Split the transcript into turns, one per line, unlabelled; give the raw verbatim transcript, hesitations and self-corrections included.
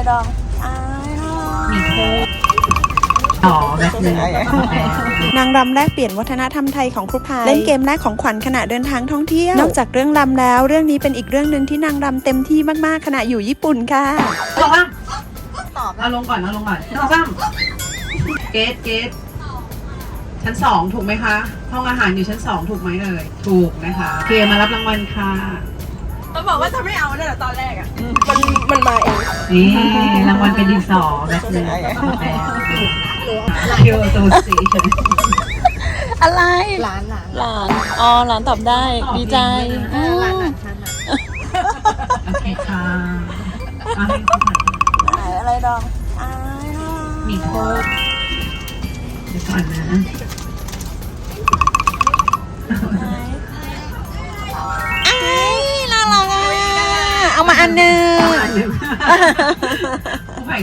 ดองอ้ายมีโค้ก
ต่อแบบนึง
นางรำแลกเปลี่ยนวัฒนธรรมไทยของครูพายเล่นเกมแลกของขวัญขณะเดินทางท่องเที่ยวนอกจากเรื่องรำแล้วเรื่องนี้เป็นอีกเรื่องหนึ่งที่นางรำเต็มที่มากๆขณะอยู่ญี่ปุ่นค่ะ
ลงอ่ะตอบเอาลงก่อนเอาลงก่อนเอาซ้ำเกตเกตชั้นสองถูกไหมคะห้องอาหารอยู่ชั้นสองถูกไหมเอ่ยถูกนะคะเคมารับรางวัลค่ะ
ต้องบอกว่าจะไม่เอาเนี่ยตอนแรกอ่ะมันมันมาเอง
นี่รางวัลเป็นดินสอแบบนึงคิวตูสี
อะไร
ร้านหลาน
หลานอ๋อหลานตอบได้ดีใจ
ร้านหลานฉันอ่ะ
โอเคค่ะ
อะไรดองอ้าย
มีโค้กเดี๋ยวก่อนนะ
อ้ายน่ารักอ่ะเอามาอันหนึ่ง